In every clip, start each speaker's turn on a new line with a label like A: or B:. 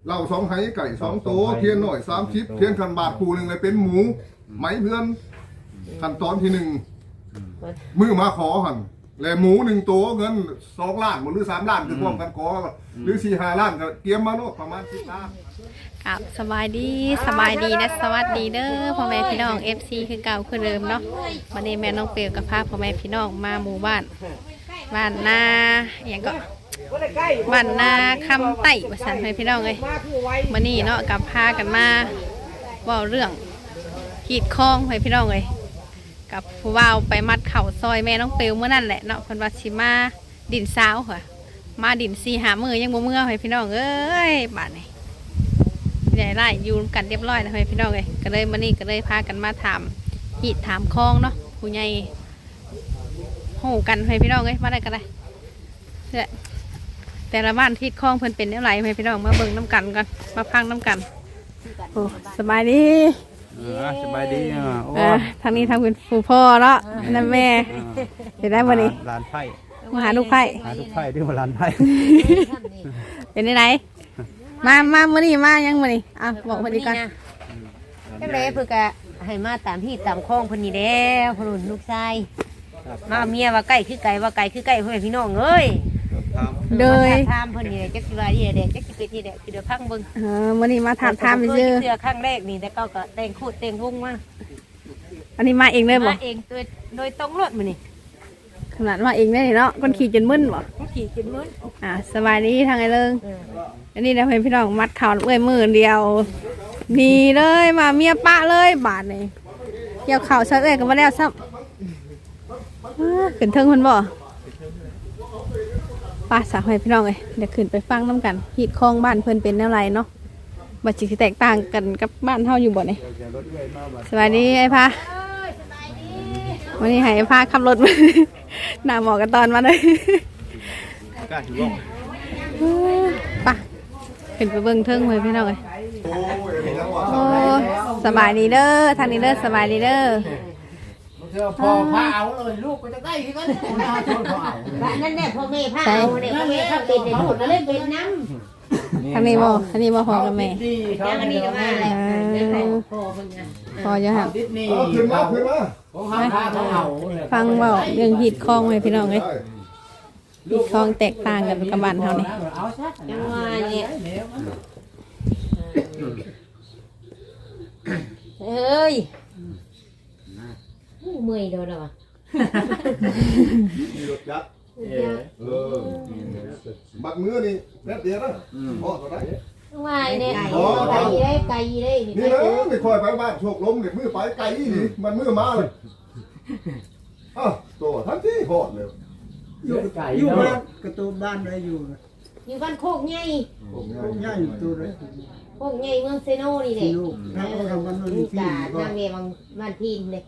A: เรา2ไหไก่2โตเทียนหน่อย30เทียนคันบาทคู่นึงเลยเป็นหมูไหมเพื่อนขั้นตอนที่1มือมาขอหั่นแล้วหมู1โตเงิน2ล้านบ่หรือ3ล้านคือพร้อมกันขอหรือ4-5ล้านก็เตรียมมาโน่ประมาณ10ล้าน
B: ครับสบายดีนะสวัสดีเด้อพ่อแม่พี่น้อง FC คือเก่าคือเดิมเนาะวันนี้แม่น้องเปียวกับพาพ่อแม่พี่น้องมาหมู่บ้านนาอย่างก็บ้านนาคำไต่ประสานให้พี่น้องเลยวันนี้เนาะกับพากันมาว่าเรื่องขีดคล้องให้พี่น้องเลยกับผู้ว่าวไปมัดเข่าซอยแม่น้องเปียวเมื่อนั่นแหละเนาะเพิ่นว่าสิมาดินสาวค่ะมาดิน4-5 มื้อยังบ่เมื่อให้พี่น้องเอ้ยบาดนี้ใหญ่ไล่อยู่กันเรียบร้อยนะพี่น้องเลยก็เลยมานี่ก็เลยพากันมาถามหีดถามคลองเนาะผู้ใหญ่หูกันให้พี่น้องเลยมาได้ก็ได้แต่ละบ้านที่คลองเพิ่นเป็นเท่าไหร่ให้พี่น้องมาเบิ่งน้ำกันกันมาพังน้ำกันโอ้สบายดี
C: สบายดี
B: ทางนี้ทางเป็นผู้พ่อเนาะนั่นแม่เห็นได้วันนี้
C: ลานไผ่
B: มาหาลูกไผ่
C: ที่มาลานไผ่
B: เป็นยังไงมาเมื่อนี้มายังมื่อนี้บอกมาดีกัน
D: จังเลยเพื่อกะให้มาตามที่ตามคลองพอดีแล้วพนุ่นลูกชายมาเมียว่าไก่คือไก่ว่าไก่คือไก่พ่อแม่พี่น้องเอ้ย
B: โดย
D: ถามพอดีจักสิว่าดีเด็กจักสิเป็นที่เด็กคือเดี๋ยวพังเบิ่ง
B: มื่อนี้มาถามไปเจอ
D: เสื้อข้างแรกนี่แต่ก็แต่งคูดแต่งวงมา
B: อันนี้มาเองเลยบ่
D: มาเองโดยตรงรถมื้อนี่
B: ขนาดมาเองได้เนาะคนขี่จนมึนบ่
D: ขี่จนมึน
B: สบายดีทางไอ้เลิงอันนี้นะเพื่อนพี่น้องมัดเข่าเอ้ยมือเดียวนี่เลยมาเมียปะเลยบาทนี่เกี่ยวเข่าซะเอ้ยก็มาแล้วซ้ำขึ้นเทิงคนบ่ป้าสาวให้พี่น้องเลยเดี๋ยวขึ้นไปฟังน้ำกันหีดคลองบ้านเพื่อนเป็นอะไรเนาะบัดจิตแตกต่างกันกับบ้านเท่าอยู่บ่เนี่ยสวัสดีไอ้พาวันนี้ให้ไอ้พาขับรถมาหน้าหมอกันตอนมาเลยป่ะขึ้นไปเบิ่งเทิงเลยพี่น้องเลยโอ้สบายดีเด้อทางนี้เด้อสบายดีเด้อ
C: พอพาเอาเลยลูกก็จะได้ที่กัน
D: นั่นแน่พ่อแม่พาเอาเนี่ยพ่อแม่เขาเป็นในลูกแล้วเล่นเป็นน้
B: ำทางนี้บ่พอกับแม่
D: อันนี้ก็มาแล้ว
B: พอจะหัก
A: ขึ้นมา
B: ฟังเบาเรื่องหีดคลองให้พี่น้องเลยหีดคลองแตกต่างกันกับบ้านเท่านี้
D: ยังว่าเนี่ยเฮ้ยเมื่อยโดนหรอวะ
A: มีรถยักษ์บักมือนี่แป๊บเดียวนะพอตัวได้
D: ว่าเนี่ยไก่ได้
A: นี่นะไม่ค่อยไปบ้านโชคล้มเด็กมือไปไก่นี่มันมือมาเลยตัวทันทีพอดเลย
C: อยู่บ้านกระตูบ้านอะไรอยู่
D: บ้านโคกใหญ่
C: ตัวเลย
D: โคกใหญ่เมืองเซโนนี่แหละนี่กาหน้าเมียบ้านทีนเลย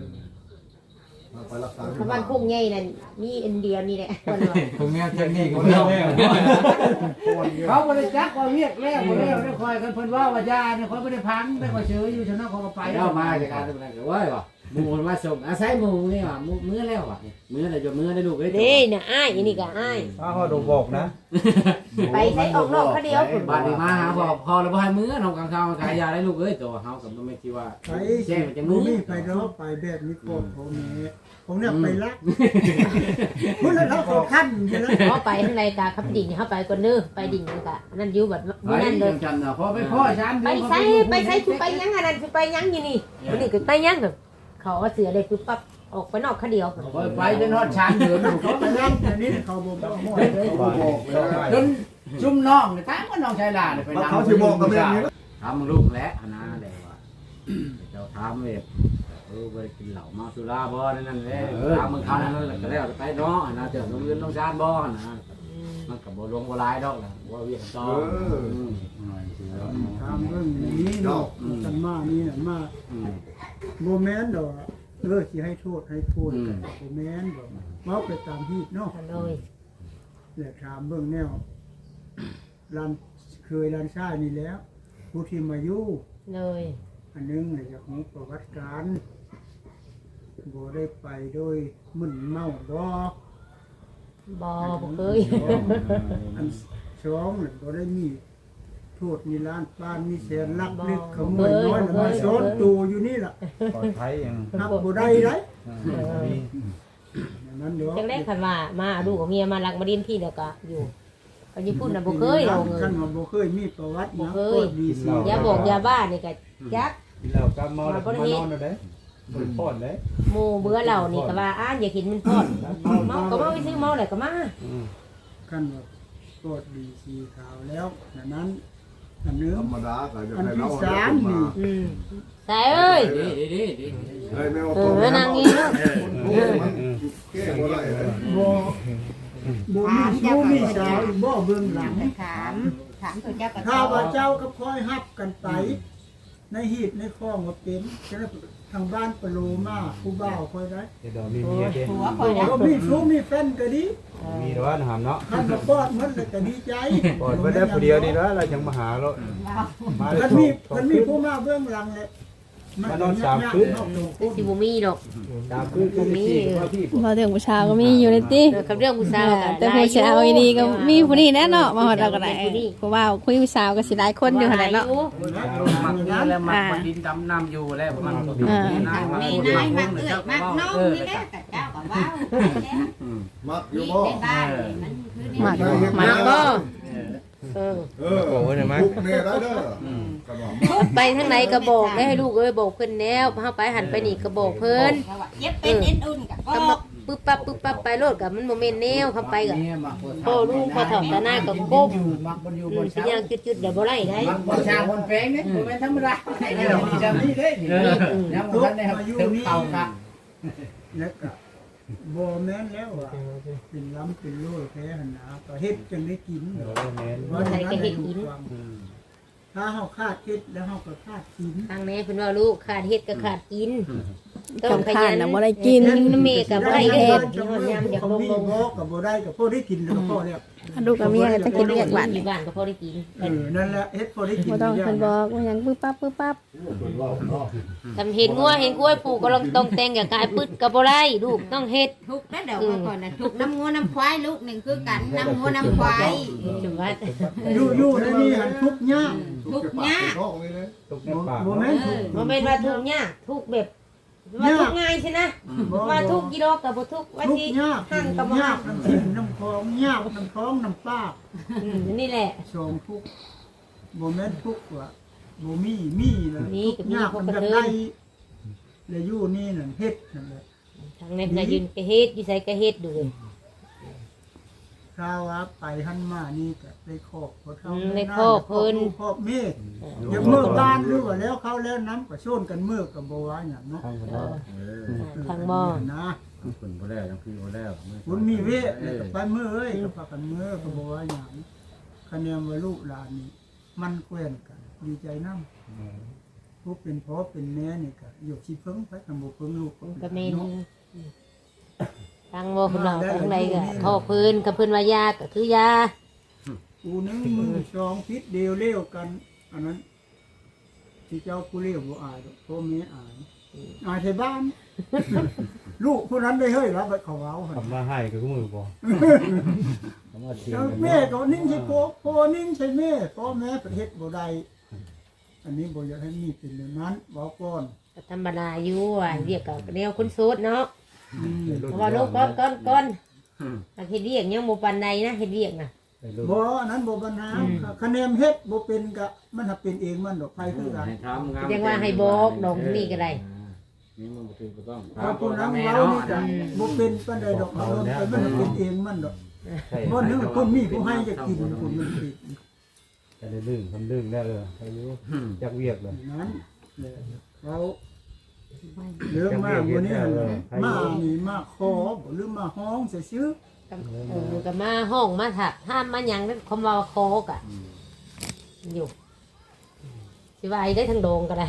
D: บ้านโคกใหญ่นั่นมีอันเดียวนี่แหละ
C: คนเมียเจนี่ก็ไม่เขาไม่ได้จักว่าเรียกแล้วได้คอยกันเพิ่นว่ายาเนี่ยเขาไม่ได้พังได้คอยเชื้ออยู่ชนะเขาไปแล้วมาจากการทำงานกันว่าป่ะหมูมาส่งอาศัยหมูนี่ว่ะมื้อแล้วว่ะมื้ออะไรจะมื้อได้ลูกได้
D: นี่นะอ้ายนี่ก็อ้าย
C: เขาดูบอกนะ
D: ไปใช้ออกนอกเขาเดียว
C: บ้านดีมาหาบอกพอแล้วพอให้มื้อน้องกลางข้าวขายยาได้ลูกเอ้ยตัวเฮากับไม่คิดว่าแจ้งมันจะมื้อ
E: ไปเนาะไปแบบนี้ก่อนผมเนี่ยไปรักเมื่อเราขอขั้นใช่ไหม
D: เขาไปข้างในกาขับดิ่งเขาไปก่อนเด้อไปดิ่งกะนั่นอยู่แบบนั่นเลย
C: พอไปพ่อฉัน
D: ไปใช้คือไปยังอันนั้นคือไปยังอยู่นี่นี่คือไปยังแบบเขาเสือเลยคือปั๊บออกไปนอกเขาเดียว
C: ไปจนฮอดชานเดิน
E: เขาไปนั่งอันนี้เขาบอก
C: จนจุ่มน้องเนี่ยตามก็น้องชายหลานไปนั่ง
A: เขาจะบอกกับแม่นี้
C: ทำลูกแล้วนะเดี๋ยวว่าเจ้าทำเลยไปกินเหล้ามาสุราบ่นั่นเลยทำมึงทำนั่นก็แล้วไปเนาะนะเจอน้องยืนน้องชานบ่นะมันกับบ่ลงบ่ลายดอกนะว่าเวียนต่อ
E: ทำเรื่องนี้เนาะกันมานี่น่ะมาโมเมนต์ดอกสิให้โทษโมเมนต์บอกมาไปตามที่เนาะ
D: เลย
E: แหละถามเบื้องแนวเคยรันซ่านี่แล้วผู้ที่มาอยู่
D: เลย
E: อันนึงเนี่ยจากของประวัติการบ่ได้ไปโดยมึนเมา
D: บ่เคย
E: อันสองเนี่ยบ่ได้มีโทษมีล้านป้านมีแสนลักลึกขโมยน้อยมาซ้อนตูอยู่นี่ล่ะ
C: ปลอดภัยยัง
E: ครับบ่ได้ไรนั้นเดี๋ยว
D: จังได้คันว่ามาดูกับเมียมาลักมาดินพี่เดียวก็อยู่ก็ญี่ปุ่นน่ะบ่เคยเราเงิ
E: ขั้น
D: น
E: ว่าบ่เคยมีประวัติหยัง
D: บ่เคย
E: โคตรดีสิ
D: อย่าบอกอย่าบ้านี่ก็จัก
C: กินเหล้าก็เมาแล้วมานอนได้บ่พอดได้
D: หมู่เบื่อเรานี่ก็ว่าอ้านอย่ากินมันพอดเมาก็เมาไปซื้อเมาแล้วก็มา
E: ขั้นว่าโคตรดีสีขาวแล้วนั้นอันนึง
A: ธรรมดาก็จะ
E: อัน
A: ให้
E: ที่
A: เรา
E: สามนี่
D: ใส่เอ้ย
A: เฮ้ยแม่เอา
D: เอ
A: ตัว
D: อ
A: มา
D: นั่งนี่เนาะ
A: มันแก้บ่ได้เลย
E: บ่มีสาวอีกบ่เบื้องหลัง
F: ถามตัวเจ้าก็
E: ถ้าว่าเจ้าก็คอยฮับกันไป ในหีบในคลองว่าเป็นฉะนั้นทางบ้านปะโลมาผู้บ่าวคอยได้
C: เดี๋ยวมีเมียเด้
F: หัวคอยนะ
E: ก็มีชู้มีแฟนก็ดี
C: มีแต่ว่าหามเนาะ
E: คันมาปอดมันเลยก็ดีใจ
C: ปลอดไว้ได้ผู้เดียวนี่แล้วเราจังมาหาแล้วมา
E: คันมีผู้มาเบื้องหลังเลย
D: สิบ่มีดอก
C: ตามคือว่าพี่
B: พอถึงผู้ชายก็มีอยู่ในติ
D: กับเรื่องผู้สาวก็
B: แต่ผู้ชายอีนี่ก็มีผู้นี้แน่เนาะมาฮอดเราก็ได้เพราะว่าคุยผู้สาวก็สิหลายคนอยู่หั่นแหละเนาะ
C: มักนี่แล้วมักดินดำน้ำอยู่แล้วมันก็มีนาย
F: มีนายมักเอื้อยมักน้องนี่แหละแต่เจ้าก็ว้าว
A: มักอยู่
F: นี่
A: บ่
F: ในบ้านนี่มันคือใน
B: มัก
A: มักบ่
D: เออ
A: โอ้โหเนี่ยมั้ยแน่ได้เด้อก็ว่า
D: ไปทางไหนก็บอกได้ให้ลูกเอ้ยบอกเพิ่นแล้วเฮาไปหันไปนี่ก็บอกเพิ่น
F: เย็บเป็นเอ็นอุ่นกับ
D: ก็มาปึ๊บปั๊บไปโลดกับมันบ่แม่นแนวเข้าไปก็พ่อลูกพ่อเฒ่าตาหน้าก็ก้ม
C: มักมันอยู่บน
D: สิย่างจุดๆเดี๋ยวบ่ไล่ได้
C: บนชาบนแปลงเนี่ยบ่แม่นธรรมดาไอ้นี่เรามีจำนี่เด้ยังบ่ทันได้ครับถึงเต่าครับ
E: แล้วก็บ่แม่นแล้วอ่ะเป็นล้ำเป็นโล่แท้หันนะก็เฮ็ดจังได้กิน ถ้าเฮาคาดเฮ็ดแล้วเฮาก็คาดกิน
D: ทางนี้เพิ่นว่าลูกขาดเฮ็ดก็ขาดกิน
B: ต้องขยันน่ะบ่ได้กิน
D: น้ำเมก็บ่ได้เฮ็ดที่ฮอดยามอยากลง
E: บ่ก็บ่ได้ก็พอได้กินแล้วก็พอแล้ว
B: ลูกกับเมียก็จะกินเรียกหวาน
D: บ้านก็พอได้กิน
E: นั่นแหละเฮ็ดพอได้กิน
B: บ่ต้องเพิ่นบอกว่าหยังปึ๊บปั๊บ
D: ทำเห็นงัวเห็นกล้วยปลูกก็ต้องแต่งกับกายปึ๊ดก็บ่ได้ลูกต้องเฮ็ด
F: ทุกแล้วเดี๋ยวก่อนนะทุกน้ำงัวน้ำควายลูกหนึ่งคือกันน้ำงัวน้ำควาย
D: จังว่า
E: อยู่ในนี้หันทุกข์ยาก
F: ทุกยาก
A: ท้องนี่เลย
C: ตกในปาก
E: บ่แม่นทุกข์
D: บ่แม่นว่าทุกข์ยากทุกข์แบบว่าทุกข์ง่ายใช่นะว่าทุกข์กี่ดอกก็บ่ทุกข์ว่า
E: ทุก
D: สิ
E: ข์ยาก
D: หั่งก็บ่
E: ยา
D: หั่
E: ก
D: ง
E: น้ำทิ่มน้ำคลองยากน้ำท้องน้ำปาก
D: นี่แหละ
E: สองทุกข์บ่แม่นทุกข์ว่าบ่มีแล้ว
D: มีก็มี
E: ยาก
D: พวก
E: มัน
D: กระ
E: จะ
D: เทิ
E: ได้
D: น
E: แล้วอยู่นี่นั่นเฮ็ดนั่นแหละ
D: ทางนั้นก็ยืนก็เฮ็ดอยู่ไสก็เฮ็ดดูเลย
E: ถ้าว่าไปหันมานี่ก็ได้ครอบเขาเท่า
D: ในครอบเพิ่น
E: ครอบเมฆอย่าเมื่อบ้านหรือว่าแล้วเขาแล้วน้ำก็โซนกันเมื่อกับบ่ว่าหยังเนาะ
D: ทางบ่
E: นะ
C: คุณบ่แล้วยังพี่บ่แล้ว
E: คุณมีเวทแล้วก็ไปเมื่อเอ้ยก็พากันเมื่อก็บ่ว่าหยังคะแนนว่าลูกหลานนี่มันแกล้นกันดีใจนำผู้เป็นพ่อเป็นแม่นี่ก็อยู่สิเพิ่งไปกันบ่เพิ่งลูก
D: ก็แม่นทางบ่เพิ่นว่าทางใดก็พ่อเพิ่นกับเพิ่นว่ายาก็คือยา
E: กูนึงมือสองพิษเดียวเลี้ยวกัน อันนั้นที่เจ้าผู้เลี้ยวบ่อายดอกพ่อแม่อายไทยบ้าน ลูกผู้นั้นได้เฮ้ยรับไปเขาเอาหั่น
C: ทำมาให้ก็มือบ่ทำมาเสียง
E: แม่ก็นิ่งใช่พ่อนิ่งใช่แม่พ่อแม่ประเทศบ่ได้อันนี้บ่อยากให้มีเป็นอย่างนั้นบอกก่อน
D: ก็ธรรมดาอยู่อ่ะเรียกก็แนวคนโสดเนาะเพราะว่าลูกก่อนถ้าเฮ็ดเรียกยังบ่ปานใดนะเฮ็ดเรียกน่ะ
E: บ่อันนั้นบ่ปัญหาคะแนนเฮ็ดบ่เป็นก็มันถ้าเป็นเองมันดอกไผคือกัน
C: ให้ทำงาน
D: ยังว่าให้บอกดอกนี่ก็ได้
C: นี่มันบ่ถึงก็ต้อง
E: ถ้าผู้นั้นเว้านี่ก็บ่เป็นปานใดดอกเอาไปมันเป็นเองมันดอกบ่นึงคนมีผู้ให้จะกินคนมันผิด
C: จะได้ลื่นทำลื่นได้อายุจักเวียกเลย
E: นั้นเราเรื่องมากวันนี้มานี่มาขอหรือมาห้องซื่อ
D: ก็มาห้องมาถักห้ามมาหยังคำว่าโคกอ่ะอยู่สิว่าได้ทางโดงก็ได้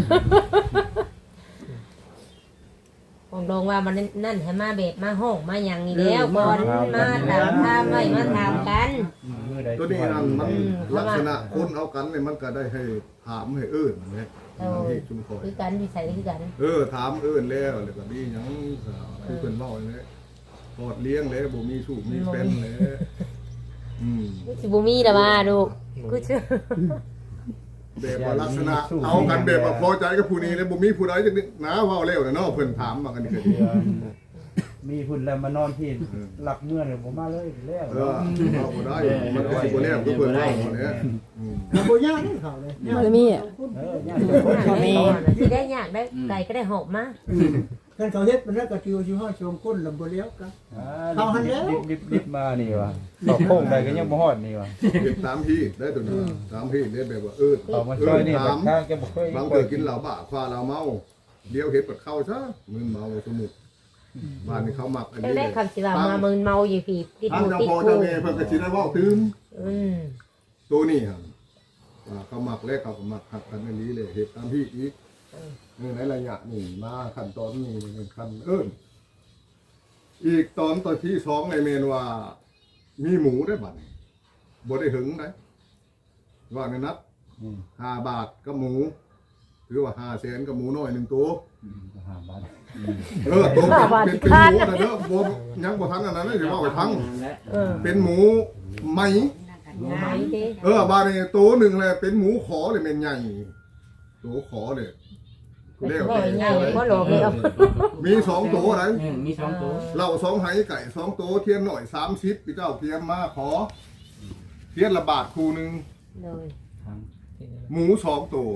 D: ของโดงว่ามันนั่นให้มาแบบมาห้องมาหยังนี่แล้วก่อนมาถามถามไว้มาถามกัน
A: ตัวนี้นั่นมันลักษณะคนเอากันเนี่ยมันก็ได้ให้ถามให้อื่นนะที่ชุมพร
D: คือกันวิสัยคือกัน
A: ถามอื่นแล้วก็ดีหยังคือเพิ่นเว้าเลยพอดเลี้ยงแล้วบ่มีสูบมีเป็นเลย
D: สิบุมีละมาดู
C: เ
D: กูเชื่อ
A: แบบว่าลักษณะเอากันแบบว่าพอใจกับผู้นี้แล้วบ่มีผู้ใดจักนิดนะเว้าแล้วเนาะเพิ่นถามมากันนี่ก็ดี
G: มีหุ่นแล้วมานอนที่หลักเมื่อเลยผมมาเลยแล้ว
A: เออเอาบ่ได้มันก็สิบ่แล้วก็เพิ่นเว้าเนี่ย
E: แล้วบ่ยากนี่เขาเลย
B: บ่ได้มีอ่ะ
D: บ่มีสิได้ยากได้ไก่ก็ได้หอบมา
E: ท่านเขาเฮ็ดมันแล้วก็ชิวชิวห้าชมก้นลำบ่เลี้ยวกัน
G: ดิบมานี่วะต่อโค้งใดก็ยังบ่ฮอดนี่วะ
A: เฮ็ดตามที่ได้ตัวนี้ตามที่ได้แบบว่า
G: ต่อมาช่วยนี่แบบทางแกบ่เคย
A: บางเกิดกินเหล้าบ้าคว้าเหล้าเมาเดี๋ยวเฮ็ดปัดเข้าซะมึนเมาสมุกบ้านนี้เขามักอัน
D: จัง
A: นี้
D: ได้คำสิว่ามามึนเมาอยู่พี่ติด
A: ทาง
D: หู
A: เจ้า
D: ติด
A: พ่อ
D: หู
A: เจ้าแม่เพิ่นก็สิได้เว้าถึง
D: ม
A: ตัวนี้ครับว่าเขามักแล้วเขาก็มักหักกันอันนี้เลยเฮ็ดตามที่อีกในระยะนี้มาขั้นตอนนี้เป็นขั้นอีกตอนที่2ในเมนว่ามีหมูได้บัดนี้บ่ได้หึงได้ว่าในนัด5 บาทกับหมูหรือว่า5 แสนกับหมูน้อย1ตัว
G: 5 บาท
A: ตัวเป็นหมูแต่เด้อบ่ยังบ่ทันอันนั้นเลยสิว่าไปทั้งเป็นหมูไหม
D: ไหนเด้
A: บาดนี้ตัวหนึ่งเลยเป็นหมูขอเลยแม่นใหญ่ตัวขอเลย
D: บ่ใหญ่บ่หลอกเลยเอา
A: มี2ตัวไหน
C: มี2ตัว
A: เหล้า2ไหไก่2ตัวเทียนหน่อย30พี่เจ้าเตรียมมาขอเทียนละบาทคู่นึง
D: เลย
A: หมู2ตัว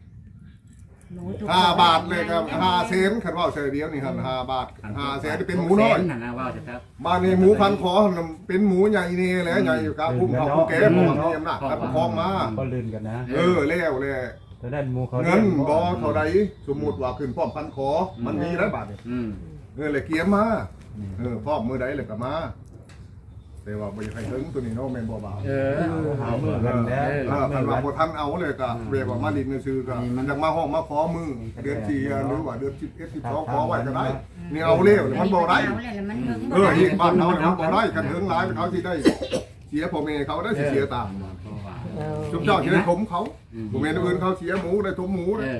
A: 5 บาทเลยครับ5 เซนคันว่าเฉยเดียวนี่ครับ5 บาท5 แสนเป็นหมูน้อย
C: นั่นนะว่าจะครับ
A: บ้านนี้หมูพันคอเป็นหมูใหญ่นี่แหละใหญ่อยู่กับพุ่มเขาผู้แก่ผมมีอำนาจครับคลองมา
G: ก็ลื่นกันนะ
A: แล้วเลย
G: แต่ด้านหมู่เขา
A: เงินบ่เท่าใดสมมุติว่าขึ้นพร้อมพันคอมันมีแล้วบาทนี่เลยเกียมมาพร้อมมือใดเลยก็มาแต่ว่าบ่อยากให้ถึงตัวนี้เนาะแม่นบ่บ่าว
G: หาเมื่อกันแล้ว
A: คันว่าบ่ทันเอาเลยก็เรียกว่ามาดินซื่อก็อยากมาห้องมาขอมือเดือน4หรือว่าเดือน11 12ขอไว้ก็ได้นี่เอาแล้วมันบ่ได้
F: เอาเลยแล้วมันเฮิง
A: ที่บ้านเขาเนี่ยมันบ่ได้กันถึงหลายเขาสิได้เสียพ่อแม่เขาได้สิเสียตามจุ๊บเจ้าสิได้ถมเขาพ่อแม่อื่นเขาเสียหมูได้ถมหมูได้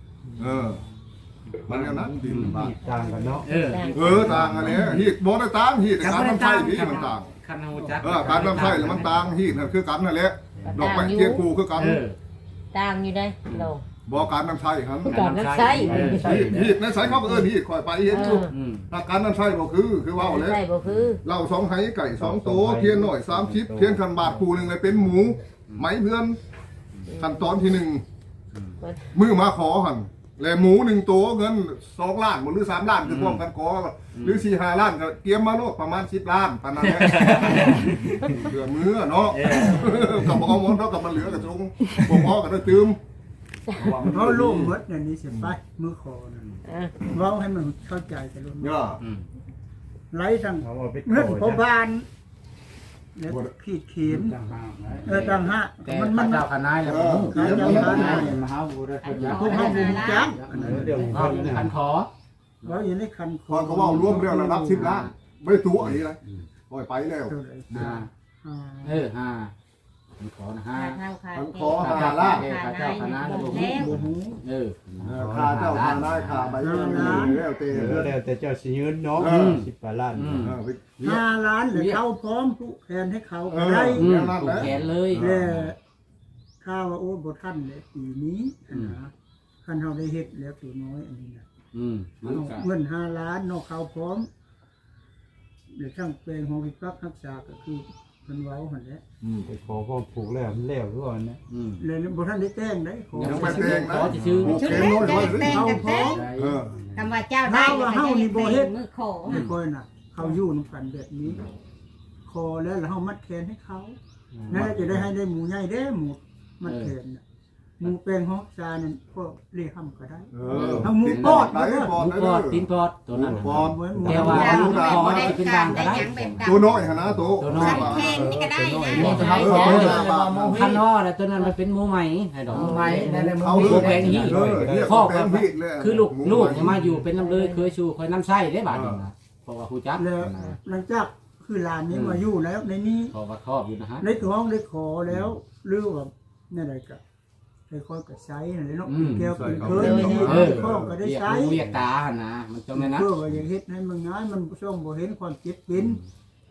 A: มันอย่างนั้นดินบ้าน
G: ต่างกันเนาะ
A: ต่างกันเนี่ยฮีดบ่ได้ต่างฮีดการน้ำไส้นี่มันต่าง
C: คันหูจัก
A: การน้ำไส้แล้วมันต่างฮีดคือกันนั่นแหละดอกไม้เทียนกูคือกัน
D: ต่างอยู่ได้โล
A: บ่การน้ำไส้ครับ
D: การน้ำใช้
A: ฮีดในสายเขาก็ฮีดคอยไปเห็นอยู่ถ้าการน้ำไส้บ่คือว่าเลย
D: ใช่บ่คือ
A: เหล้า2ไหไก่2ตัวเทียนหน่อย30เทียนคันบาทคู่นึงเลยเป็นหมูไหมเพื่อนขั้นตอนที่1มือมาขอหั่นแล้วหมู1ตัวเงิน2 ล้านหรือ3 ล้านคือพร้อมกันขอหรือ4 5 ล้านก็เกียมมาโลดประมาณ10 ล้านปานนั้นแหละเหลือมือเนาะกับบ่เอาหมดเนาะกับมันเหลือก็จงบ่พอก็ได้ตืม
E: เขาโล่งหมดเนี่ยนี่สิไปมือคอนั่นเว้าให้มันเข้าใจกันรุ่น
A: ย่า
E: ไล่ทั้ง
G: เขาเอาไป
E: เงินพอบานแล้วขีดเขียน
G: ต่างหากนะ
E: ต่างหาก
C: แต่
E: มัน
C: เจ้าคณะแล้ว
A: เกียมมา
G: มหาบุรุษคนยา
E: พวกเฮาบ่รู้จัก
G: เดี๋ยว
C: ก็คันขอ
E: เว้าอยู่ในคันค
A: พอเขาเว้ารวมเรื่องระดับ10 ล้านไม่ตัวอันนี้เลยปล่อยไปแล้ว
E: เท่าไหร่
C: 5มันขอนะ
F: ขา
C: 5
F: เท้าขา
A: มันขอ5 ล้าน
C: ขาเจ้าคณะแล้ว
E: บ่ฮู้
A: ค่าเจ้าค่าได้ค่าใบเงินแล้วแต่
G: แล้วแต่เจ้าสิยืนเนาะ10 ล้าน
E: 5 ล้านเลยเข้าพร้อมผู้แทนให้เขาก็ได้
C: แขนเลย
E: แต่ข้าวว่าโอ้บ่ทันเลยปีนี้นะคันเฮาได้เฮ็ดแล้วตัวน้อยอันนี้น่ะ
C: มันก็
E: เงิน5 ล้านนอกเขาพร้อมเดี๋ยวช่างแปลงของวิปักรักษาก็คือเพิ่นเว้าหั่นแหละ
G: ไปขอพ่อผูกแล้วมันแล้วทุกวันนะ
E: เลยบ่ทันได้แต่งได้ขอ
A: ยังไม่แต่งนะ
C: ขอจะชื่อ
A: โอเคน้อยไว้สิ
E: เข้าพร้อม
F: คำว่าเจ้าได้มือขอ
E: ไม่ค่อยน่ะ เขาอยู่นำกันแบบนี้คอแล้วเฮามัดแขนให้เขานั่นจะได้ให้ได้หมูใหญ่เด้หมูมัดแขนน่ะหมูแปลงฮอกซานั่นก็เลี้ยงก็ได้
A: เอาหมูปอดได้ปอด
C: ลูก
A: ได้
C: ปอดตีนปอดตัวนั้น
A: ปอด
E: เหมือนหมู
C: แกว่า
F: ได้
C: ลูกปอด
F: ได้
C: จะเป็น
F: กา
C: ดั
F: รง
C: ก็
F: ได้
C: ได้
F: ยังแบบดัง
A: ตัวน้อยนะตัว
F: สันเพนนี่ก็ได้นะ
C: นี่จะให้ขอคันว่าแต่ตัวนั้นมันเป็นหมูไหมให้ดอกหมูไหมนั่นแหละ
A: เอา
C: หมู
A: เรื่อง
C: แพงฮี
A: ข้อแพงฮีเลย
C: คือลูกมาอยู่เป็นน้ำเลยเคยชูเคยน้ำไส้ได้บาดนึงนะเพราะว่าครูจับ
E: แล้วหลังจากคือหลานนี้มาอยู่แล้วในนี้
C: เพราะว่าครอบอยู่นะฮะ
E: ในท้องได้ขอแล้วหรือว่านั่นอะไรก็ได้ค่อยก็ใช้นั่นแหละเนาะแก้วเป็นเคยมีข้อก็ได้ใช้
C: เรียกตานะมันจำเลยนะ
E: เพื่อว่าอย่างเฮ็ดให้มันง่ายมันช่องบ่เห็นความเจ็บเป็น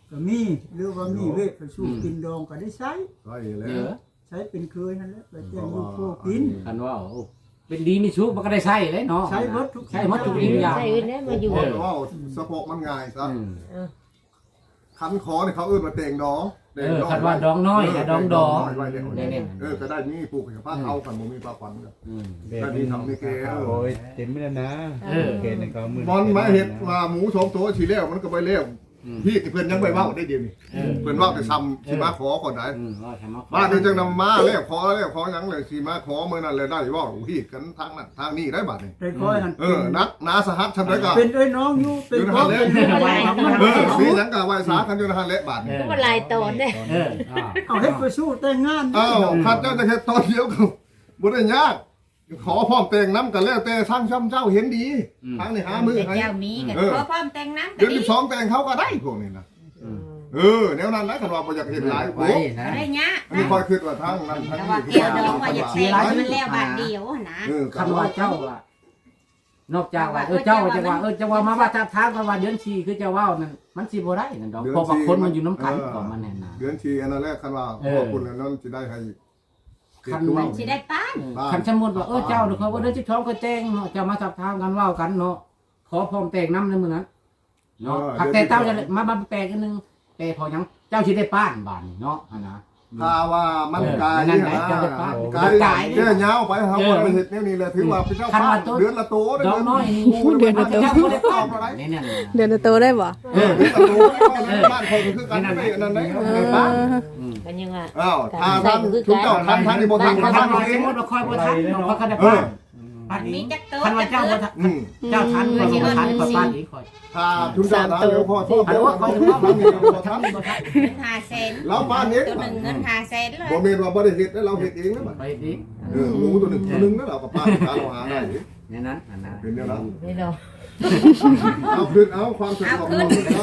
E: ก็มีหรือว่ามีเวทไปสู้กินดองก็ได้ใช้
A: ใช่แล้
C: เอ
A: ว
C: อ
E: ใช้เป็นเคยนั่นแหละไปแจ้งลูกโคกิน
C: คันว่าโอ้เป็นดีมีชุกมันก็ได้ใช้เลยเนาะ
E: ใช้หมดทุก
C: ใช้หมดทุกอย่าง
D: ใช่อื่นได้มาอยู่
A: เพราะว่าสะโพกมันง่ายซะ
C: อืม
A: คันคอเนี่ยเขาเอื้นมาเต่งดอ
C: คันว่าดองน้อยกับดองดอ
A: ไว้เดี๋ยว
C: เนี่ย
A: ก็ได้มีปลูกกับผ้าเอาขันบ่มีปลาขวัญก็
C: อืม
A: ก็ดีทำนี่แก
G: โอ้ยเต็มไม่แล้วนะเกณฑ์เขามือบ
A: อลมาเห็ดมาหมูสองตัวฉีแล้วมันก็ไปเลี้ยวพี่เพื่อนยังไปเว้าได้เดียวนี่เพื่อนเว้าแต่ซ้ำสิมาขอก่อนได้
C: ว่าทำมา
A: บ้านนี้จังนำมาแล้วขอยังเลยสิมาขอเมื่อนั้นเลยได้ว่าพี่กันทางนั้นทางนี้ได้บัดนี่
E: ได้คอยหัน
A: นักนาสหัสทำได้ก็
E: เป็นเอ้ยน้องอยู่เป็นพ่อเป็นอะไรมัน
A: มีหยังก็ไว้สากันอยู่ในหันและบาดนี่
D: ก็มาลายตอนเด้
E: เอาให้ไปสู้แต่งงาน
A: อ้าวข้าเจ้าจะเฮ็ดตอนเดียวก็บ่ได้ยากขอพร้อมแต่งน้ำกันแล้วแต่สร้างช่ำเจ้าเห็นดีทางนี้หามือให้
F: เจ้ามีกันขอพร้อมแต่งน้ำ
A: เดื
F: ก็
A: อน
F: ดี
A: 12แต่งเขาก็ได้พวกนี้นะแนวนั้นนะคันว่าบ่อยากเห็นหลายโอ้
F: ได้เนี้ย
A: อันนี้คอยคิดว่าทางนั้นทาง
F: แต่
A: นี้
F: ว่าเกี่ยวดองว่าอยากแต่งมันแล้วบาทเดียวนะ
C: คันว่าเจ้าอ่ะนอกจากว่าเจ้าจะว่าจะว่ามาว่าทางว่าเดือนชีคือจะว่านั่นมันสิบ่ได้นั่นดอกเพราะว่าคนมันอยู่น้ำกันของมันแน่นะ
A: เดือนชีอันนั้นแรกคันว่าขอบคุณแล้วนั้นสิได้ให้
C: คันว่า
F: สิได้ป้าน
C: คันสมมุติว่าเจ้าเขาว่าเดือน12ก็แต่งเนาะจะมาสับทางกันเว้ากันเนาะขอพร้อมแต่งน้ำในมื้อนั้นเนาะผักแต่เจ้าจะมาแปลกันนึงแต่พอยังเจ้าสิได้ป้านบานเนาะนะ
A: ถ้าว่ามันกายนี่นะกายแค่ยาวไปเฮาบ่ได้เฮ็ดแนวนี้เลยถือว่าเป็นเจ้าป้าเดือนละโต
C: ดอกน้อยนี่เดือนละโตบ่ได้ป้านนี่เนี่ย
B: เดือนละโตได้บ่
A: เดือนละโตบ้านคนคือกันไม่อันนั้นได้ป้า
D: กันยังอ่ะ
A: อ้าวถ้าท่านทุกเจ้าทันที่บ่ทัน
C: คัน
A: ทัน
C: ว่า
A: เอ
C: ส
A: ง
C: มมุติว่าคอยบ่ทันเนาะเขาได้ป้านอัน
F: มี
C: นี้
F: จักโต
C: คันว่าเจ้าบ่ทันเจ้าทันคอยบ่ทันคอยป้านอีกคอย
A: ถ้าทุกเจ้าทันเดี๋ยวพอโทษ
C: อัน
A: เดี๋ยว
C: ว่า
A: ว่า
C: ค
A: เขา
C: อย
A: จะ
C: ว่า
A: ว่า
C: ทัน
A: มัน
C: บ่ทัน
F: เงิน500,000
A: เราบ้านนี้
F: ตัวหนึ่งเงิน500,000เลย
A: บ่แม่นว่าบ่ได้เฮ็ดแล้วเราเฮ็ดเองนะบัด
C: ไปอีก
A: หมูตัวหนึ่งนั่นเราก็ป้าเราหาได้
C: เนี่ยนั้นอันนั้น
A: เป็นแนวนั้น
D: นี่เนาะ
A: เอาขึ้นเอาความสะดวกของเรา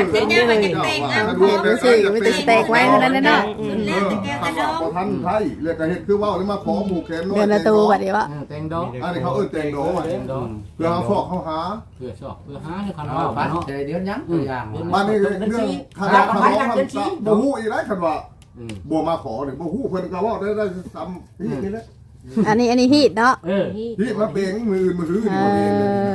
A: พอทันไทยเรียกเฮ็ดคือว่าแล้วมาขอหมู่แขนน้อย
B: เดือนละโตบัดนี้วะ
C: แตงดอก
A: อันนี้เขาแตงโดเพื่อเขาฟอกเขาหา
C: เพื่อชอบเพื่อหาให้คันว่าบ้านเนาะเดือนยังตัวอย่าง
A: บ้านนี้เรื่องคณะขนมมันบ่ฮู้อีไรคันว่าบ่มาขอนี่บ่ฮู้เพิ่นก็ว่าได้ซ้ำนี่แหละ
B: อันนี้ฮีดเนาะ
A: พี่มาเปงมืออื่นมือถือนี่บ่เอง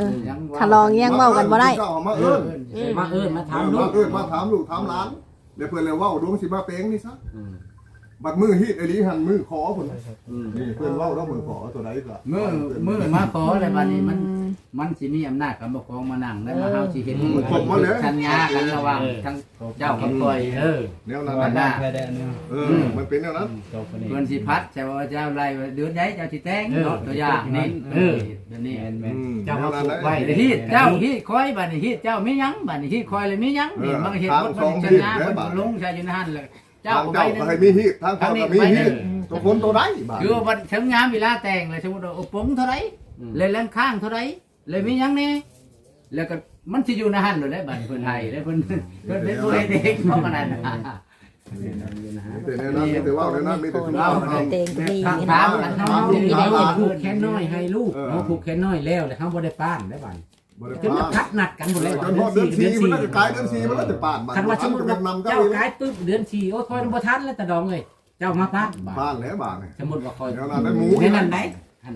B: ถ้าลองยังเว้ากันบ่ได้
A: มาเอิ้น
C: มาถามลู
A: มาก เอิ้นมาถามลูกถามหลานเดี๋ยวเพิ่นเลยว่าดวงสิมาเปงนี่ซะบัดมือฮีดไอ้ลีหันมือขอพุ่นนี่เพิ่นเว้าแล้วมือขอตัวใดก็
C: มือมาขออะไรบ้านนี้มันสิมีอำนาจกับปกครองมานั่งได้มาเฮาสิเห็นสัญญากันระหว่างทั้งเจ้ากับคอย
A: แนวนั้น
G: แค่ได้อันนี้
A: มันเป็นแนวนั้น
G: จบคนนี้
C: เพิ่นสิพัดแต่ว่าเจ้าไรเดือนใดเจ้าสิแต่งเนาะตัวอย่างนี่เดี๋ยวนี้ เจ้ามาปลูกไว้ที่เจ้าที่คอยบ้านนี้ที่เจ้าไม่ยั้งบ้านนี้ที่คอยเลยไม่ยั้งนี่มันเห็นรถมันชนะมันลงใช่อยู่นั่นเลยเจ้า
A: ทางเจ้าก็ให้มีฮีดทางเขาก็มีฮีดตัวคนตัวใดบ้าง
C: คือว่าถึงยามเวลาแต่งเลยสมมติว่าปงเท่าไรเลยแรงข้างเท่าไรเลยไม่ยั้งนี่แล้วก็มันจะอยู่ในหันเลยบ้านเพื่อนไทยแล้วเพื่อนเป็นตัวเด็กเพราะมันนั่น
A: แต่ในนั้นมีแต่ว่าในนั้นมีแต่ชุมชน
D: เต็งมี
C: ถามกันน้องมีได้ผูกแขนน้อยให้ลูกเนาะผูกแขนน้อยแล้วเลยเขาบ่ได้ป้านได้บ้านจนทัดนัดกันหมดเลย
A: จนพอเดือน4มันจะกลายเดือน4มันก็จะปาดบ้าน
C: คันว่าสมมติว่าเจ้ากายปึ๊บเดือน4โอ้ยคอยบ่ทันแล้วแต่ดองเลยเจ้ามาป้าน
A: บ้านแล้วบ้านนี่
C: สมมติว่าคอย
A: แนวนั้นได้หมู
C: ในนั้นได้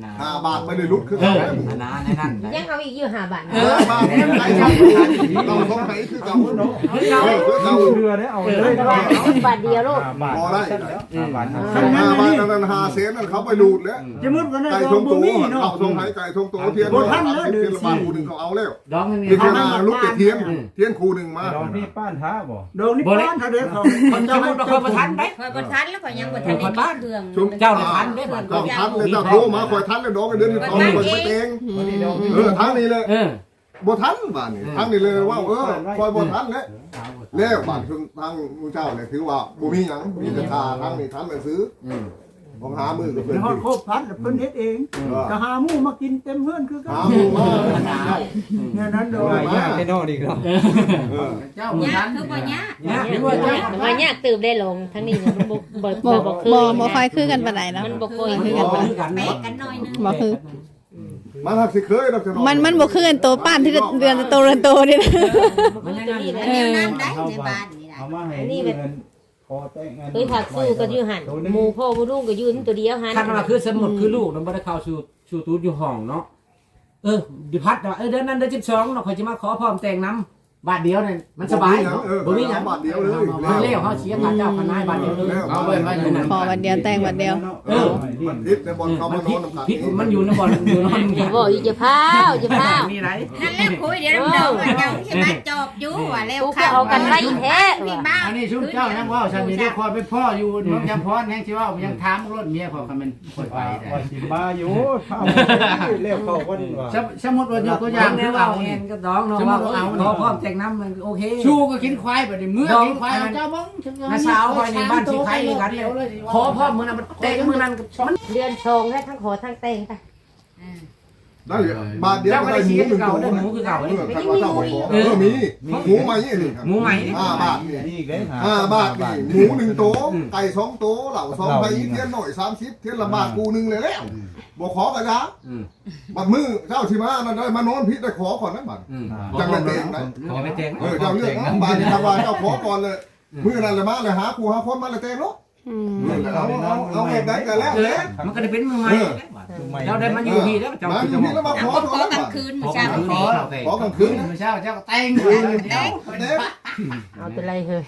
A: 5 บาทไม่ได้ลุกคือ
C: เอ
A: กัน
C: อ
A: หมู
C: อันนั้นในนั้น
D: ยังเอาอีกอยู่5 บาท
A: บ้านไหนเราต้องให้คือเก่าเนาะคือเก่า
G: เรือได้เอาเลย
D: บาทเดียวลูก
A: พอได้
G: บาท
A: 5 บาทนั้น5 เซนนั่นเขาไปดูดแล้ว
E: จะมุดวันนั้น
A: ไก่
E: เรา
A: ทง
E: บ่
A: โต
E: มีเนาะ
A: เขาทงไห้ไก่ทงโตเทียนเทียนละบาทคูนึงเขาเอาแล้ว
C: ดองไม่มี
A: นี่คือลูกเทียนเทียนคูนึงมา
G: ดองนี่ป้านท้าบ่
E: โดนนี่ป้านถ้าเด็กเขา
C: คนจะมุดคอยประทันได้
F: คอยบ่ทันแล้วก็ยังบ่ทันได้เครื่อง
C: เจ้าทันได้บ้าน
A: เจ้าทันเลยเจ้าโทรมาคอยทันเลยดองเดือนที่2คอยไปเองทั้งนี้เลยบ่ทันบ้านนี่ทั้งนี้เลยว่าคอยบ่ทันแล้วบ้านทางเจ้าเนี่ยถือว่าบ่มีหยังมีแต่ค่าทั้งนี้ทันไปซื้อผมหามือกับเพิ่น
E: ฮอดโคบพัดเพิ่นเฮ็ดเองก็หาหมู่มากินเต็มเฮือนคือกัน
A: หาหมู่มา
E: เนี่ยนั้นโด
G: โอ้
E: ย
G: ยยากแค่นอกอีกแล้ว
C: เจ้า
F: เนี่ย
C: ทัน
F: คือบ่เนี่ย
D: มายากตื่มได้ลงทั้งนี้มันบ่
B: บ่ค่อยคือกันปานใดเนาะ
D: มันบ่ค่อยคือกัน
F: แปะกันหน่อยนึง
B: บ่คือ
A: มันหักสิเคยดอกจะ
B: มันบ่คือกันโตป้านที่เดือนละโตนี่นะ
C: มันยังไง
F: อันนี้นั่นได้ในบ้านนี่ได้
G: เอามาให้เงินพอแต่งงาน
D: เคยถักสู้ก็อยู่หันหมู่พ่อบ่ลุงก็อยู่ตัวเดียวหัน
C: คันว่าคือสมุดคือลูกมันบ่ได้เข้าสู่ตูดอยู่ห้องเนาะดิพัดว่าเดือนนั้นเดือน12เนาะข่อยสิมาขอพร้อมแต่งน้ำบาทเดียวเนี่ยมันสบายบ่มีหยัง
A: บาทเดียวเลย
C: เลี้ยวเขาเสียค่าเจ้าค่านายบาทเดียวเลยเอาไว้ไว้อยู่นั่น
B: ขอวันเดียวแต่งวันเดียว
A: มันพิษในบอลเขามานอนน้ำตาล
C: พิษมันอยู่ในบ่อนอยู่นอน
D: อย่าบอกอย่าพาวอย่าพาว
C: มีไร
F: นั่นแหละคุยเดี๋ยวเราว่าเจ้าใช่ไหมจอบอยู่ว่าแล้ว
D: กูก็เอากันไล่แท้
F: มีบ้า
C: อันนี้ชุมเจ้ายังว่าฉันมีได้คอยไปพ่ออยู่น้องจำพรยังสิว่ายังถามรถเมียของมันคนไป
G: ว่าสิมาอยู่ข้าวเรียกเขาคนว่า
C: สมมติว่ายกตัวอย่างคือว่าเองก็น้องเนาะว่าเอาขอพร้อมแต่งน้ำมันโอเคชูก็กินควายแบบนี้เมื่อกินควายเจ้าบ้องน้าสาวคอยในบ้านที่ใครกันขอพร้อมมือนั้นมันแต่งมือนั้น
D: เดือนทองให้ทั้งขอทั้งแต่งค่ะ
A: ได้บาทเดียวก็ได้หมูหนึ่งตัว
C: หมูคือเก่า
A: ใครว่าเจ้าของมีหมูใหม่นี่
C: หมูใหม่
A: 5 บาท
G: นี่อีกเลย
A: 5 บาทนี่หมู1ตัวไก่2ตัวเหล่า2ไผ่เทียนหน่อย30เทียนละบาทกูนึงเลยแล้วบ่ขอกระยาบัดมือเจ้าสิมานั่นได้มานอนพิษได้ขอก่อนนะบัดจังได้เต็งนะ
C: ขอไม่แต่ง
A: เจ้าเลือกบาทนี่ทางว่าเจ้าขอก่อนเลยมื้อนั้นเลยมาเลยหากูหาคนมาเลยเต็งเนาะเอาเฮ็ดได้กันแล้วแหละ
C: มันก็ได้เป็นมือใหม่เราได้มาอยู่ที่แล้วเจ้า
A: มาอยู่นี่แล้วมาขอ
F: ขอกลางคืนมื้อเช้า
A: ขอกลางคืน
C: มื้อเช้าเจ้าแต่ง
D: เอาเป็นไรเฮ้ย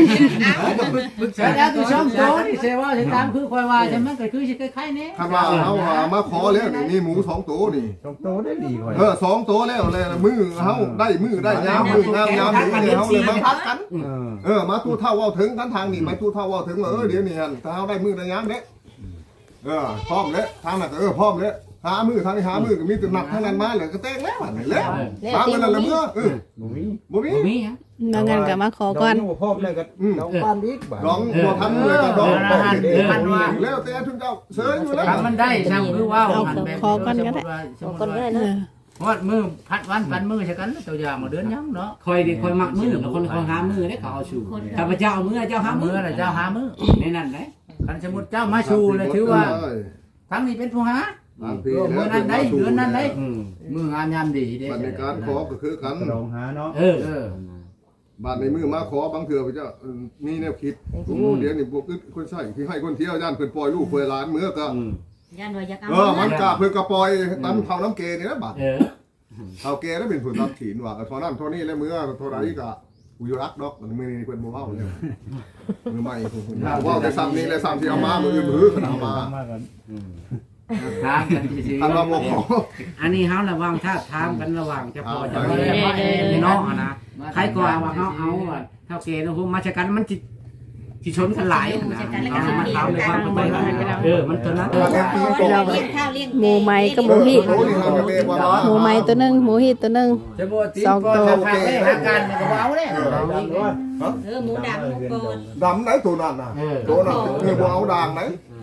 C: แล้วที่ช่องโตนี่เสว่าสิตามคือคอยว่าใช่มั้ยก็คือสิคล้ายๆนี้
A: คันว่าเฮามาขอแล้วนี่หมู2ตัวนี่
G: ตรงโตได้ดีกว่า
A: 2ตัวแล้วเลยมือเฮาได้มือได้ยามมืองามยามนี่เฮาเลยมาพัดกันมาตู้เท่าเว้าถึงกันทางนี่ไปตู้เท่าเว้าถึงเดี๋ยวนี้หั่นถ้าเฮาได้มือได้ยามเด้พร้อมแล้วทางนั้นพร้อมแล้วหามือทางนี้หามือก็มีแต่หนักทางนั้นมาเลยก็แต่งแล้วแล้วตามกันนั่นละมื้อบ่มี
C: บ่มีหยัง
B: บางงานก็มาขอก่อน
G: พร้อมเลยก็น้องบ้านอีกบ่
A: ร้องบ่ทันเลยก็ร้องแล้วแต่ทุกเจ้าเชิญอยู่แล้ว
C: มันได้ช่างคือว่า
B: เอาขอก่อนก็ได้
D: ขอกันก็ได้
B: เอ
D: เนาะ
B: อ
C: ฮอดมือพัดวันพันมือใช่กันตัวอย่างมาเดือนยังเนาะคอยดิคอยมักมือแล้วคนคอยหามือได้เขาเอาชูข้าพเจ้าเอามือเจ้าหามือแล้วเจ้าหามือในนั้นได้คันสมมุติเจ้ามาชูเลยถือว่าทั้งนี้เป็นผู้หามือนั้นได้เดือนนั้นได้มืองานยามดีเด้
A: บัตรในการขอก็คือกัน
G: ลองหาเนาะ
A: บัตรในมือมาขอบางเถื่อพระเจ้ามีแนวคิดเดี๋ยวนี่พวกคนใส่ที่ให้คนเที่ยวย่านเพิ่นปล่อยลูกปล่อยหลานเมื่อก็
F: ย่านว่าอยากเอา
A: มันกะเพิ่นก็ปล่อยตำเท่าน้ำเกนี่นะบัตรเท่าเกแล้วเป็นผลรับถีนว่าเท่านั้นเท่านี้แล้วเมื่อเท่าไหร่ก็กูอยู่รักดอกมือนี้เพิ่นบ่เว้าเลยมือใหม่เพิ่นเว้าแต่ซ้ำนี้และซ้ำที่เอามามืออื่นมือขนาดมา
C: ถามกันสิ
A: อันว่าบ่ขอ
C: อันนี้เฮาระวังถ้าถามกันระหว่างจะพอจะบ่ได้ว่าพี่น้องนะใครก็ว่าเฮาเอาเท่าเกณฑ์ผมมาชะกันมันสิชนกันหลายนะมันถามเลยว่ามันตัวนั้น
F: เลี้ยงข้าวเลี้ยง
B: หมูไหมกับหมูฮี
A: โอ้นี่ครับแม่ว่า
B: หมูไหมตัวหนึงหมูฮีตัวหนึง
C: สองตัวหาการก็เอาเด้
F: หมูดำหมูโกน
A: ดำไหนตัวนั้นน่ะตัวนั้นบ่เอาด่างไหน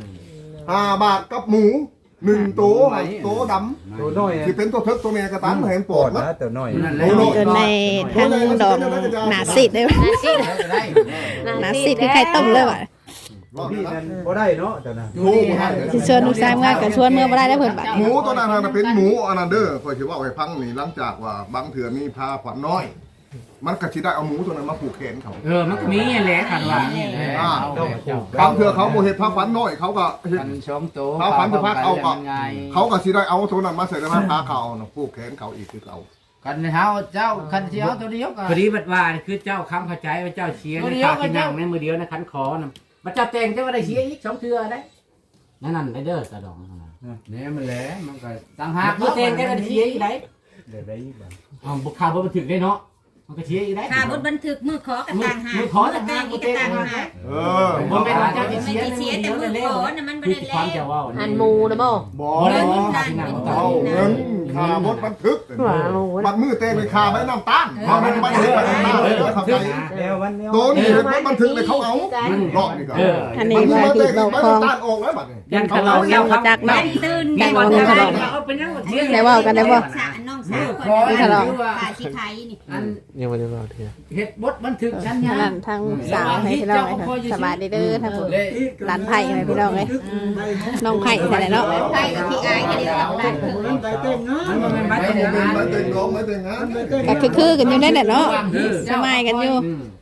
A: 5 บาทกับหมู1ตัวตัวดำ
G: ตัวน้อย
A: ที่เป็นตัวเทิกตัวแม่กระตันเห็นปอดนะ
G: ตัวน้อย
B: จนในทั้งดอกหนาสิดเลยหนาสิดคือไข่ต้มเลยว่ะ
G: พี่นั่นบ่ได้เนาะเจ้าน่ะ
B: สิชวนลูกชายมากับชวนเมื่อบ่ได้แล้วเพิ่นบัด
A: หมูตัวนั้นน่ะเป็นหมูอนาเดอร์คอยสิว่าให้พังนี่หลังจากว่าบางเถื่อมีพาขวัญน้อย มันก็สิได้เอาหมูตัวนั้นมาผูกแขนเขา
C: มันก็มีแหละกันว่า
A: บางเถื่อเขาบ่เฮ็ดพาขวัญน้อยเขาก็เฮ็ด
C: กันช่องโต
A: เขาก็สิได้เอาตัวนั้นมาใส่ในพาเขาผูกแขนเขาอีกคือเขา
C: กันเฮาเจ้าคันเสียวตัวเดียวกันพอดีบัดว่าคือเจ้าคำเข้าใจว่าเจ้าเชียร์ในปากที่นั่งในมือเดียวนะคันขอนะบัดเจ้าแต่งเจ้าว่าได้เชียร์อีก2เทื่อได้นั่นได้เด้อกระดองเนี่ยมันแหละมันก็ต่างหากเมื่อแต่งเจ้าก็ได้เชียร์อีกได้
G: เดี๋ยวได้อีกบ่
C: บุกข่าวบ่บันทึกได้เนาะมันก็เชียร์อีกได้
F: ค่าบทบันทึกมือขอกระตังหาแต่งอีกกระตังหา
C: บ่เป็นว่าเจ้าสิ
F: ไม่
C: เชียร์
F: ได้เสียแต่มือขอน่ะมันบ่ได้
C: ความ
F: แล้
C: จะ
F: ว
C: ว่า
D: อันหมูนะบ่
A: บ่เอาเงินค่าบดบันทึกบัดมือเต้ไปค่าไว้น้ำตาลเอามันบันทึกไว้น้ำตาลเลยทำไง
G: แล้ววันนี้
A: ตัวนี้เป็นบันทึกเลยเขาเอารอบนี่ก็
B: อันนี้ว่าคือเราคลอง
A: ตาลออกแล้วบัดนี้
B: ยันขลองยังบ่จักเนาะ
F: ตื่น
B: ได้ว่าขลองได้ว่ากันได้บ่
F: น้องสาวคนป่าชิไทยนี่
C: ยังบ่ได้ว่าเทื่อเฮ็ดบทบันทึกชั้นยา
B: นั่นทางสาวให้พี่น้องเลยสบายดีเด้อทางผู้หลานไผ่ให้พี่น้องเลยน้องไผ่ใช่เนาะ
F: ไทยกับพี่อายก็ได้เอาได้
E: ไปเต้นเนาะ
A: ไม่เต็งร้องไม่เต็งงาน
B: ก็คือกันอยู่นั่นแหละเนาะสบายกันอยู่
C: บ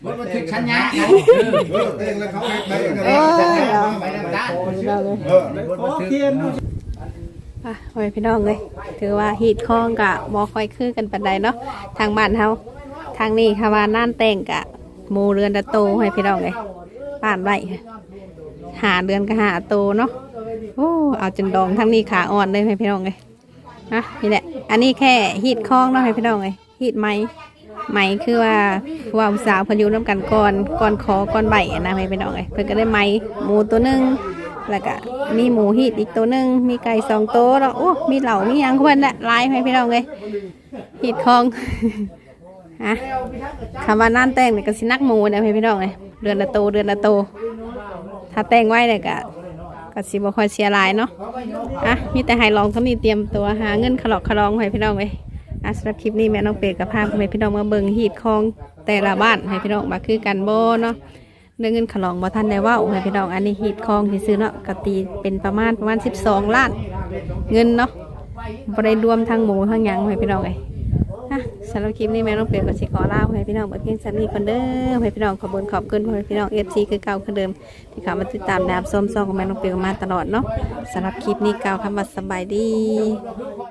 C: มันบันทึกชัญญา
A: เองแล้วเขาเฮ็ดได้ไง
C: ไปนำกัน
B: พี่น้องเลย
E: ขอเทียนดู
B: อ่ะโอ้ยพี่น้องเลยถือว่าฮีดคล้องกะบ่ค่อยคือกันปานใดเนาะทางบ้านเฮาทางนี้ค่ะว่าน่านแต่งกะหมู่เรือนตะโตให้พี่น้องเลยบ้านไว้หาเดือนก็หาโตเนาะโอ้เอาจนดองทางนี้ขาอ่อนเลยให้พี่น้องเลยนะนี่แหละอันนี้แค่ฮีดคล้องเนาะให้พี่น้องเลยฮีดไหมคือว่าผู้ว่าผู้สาวเพนอยู่น้ำกันก่อนคอก่อนใบนะให้พี่น้องเลยเพิ่นก็ได้ไหมหมูตัวหนึงแล้วก็มีหมูฮีดอีกตัวหนึงมีไก่2 ตัวแล้วโอ้มีเหล่ามีหยังเพิ่นละลายให้พี่น้องเลยฮีดคล้อง ฮะคำว่าน่านแต่งเนี่ยก็สินักหมูเนี่ยให้พี่น้องเลยเดือนละโตถ้าแต่งไว้เนี่ยก็สิบ่ค่อยเสียหลายเนาะมีแต่ให้ลองเท่านี้เตรียมตัวหาเงินขลอกขลองให้พี่น้องเลยสำหรับคลิปนี้แม่น้องเป็ดกับพาให้พี่น้องมาเบิ่งฮีดคองแต่ละบ้านให้พี่น้องมาคือกันโบเนาะเรื่องเงินขลองบ่ทันได้ว่าให้พี่น้องอันนี้ฮีดคองที่ซื้อเนาะกตีเป็นประมาณ12 ล้านเงินเนาะบ่ได้รวมทั้งหมูทั้งหยังให้พี่น้องเลยสำหรับคลิปนี้แม่น้องเป็ดก็สิขอลาให้พี่น้องเพียงสำนี้คนเด้อให้พี่น้องขอบคุณให้พี่น้อง FC คือเก่าคือเดิมที่เข้ามาติดตามดามส้มซองของแม่น้องเป็ดมาตลอดเนาะสำหรับคลิปนี้กล่าวคำว่าสบายดี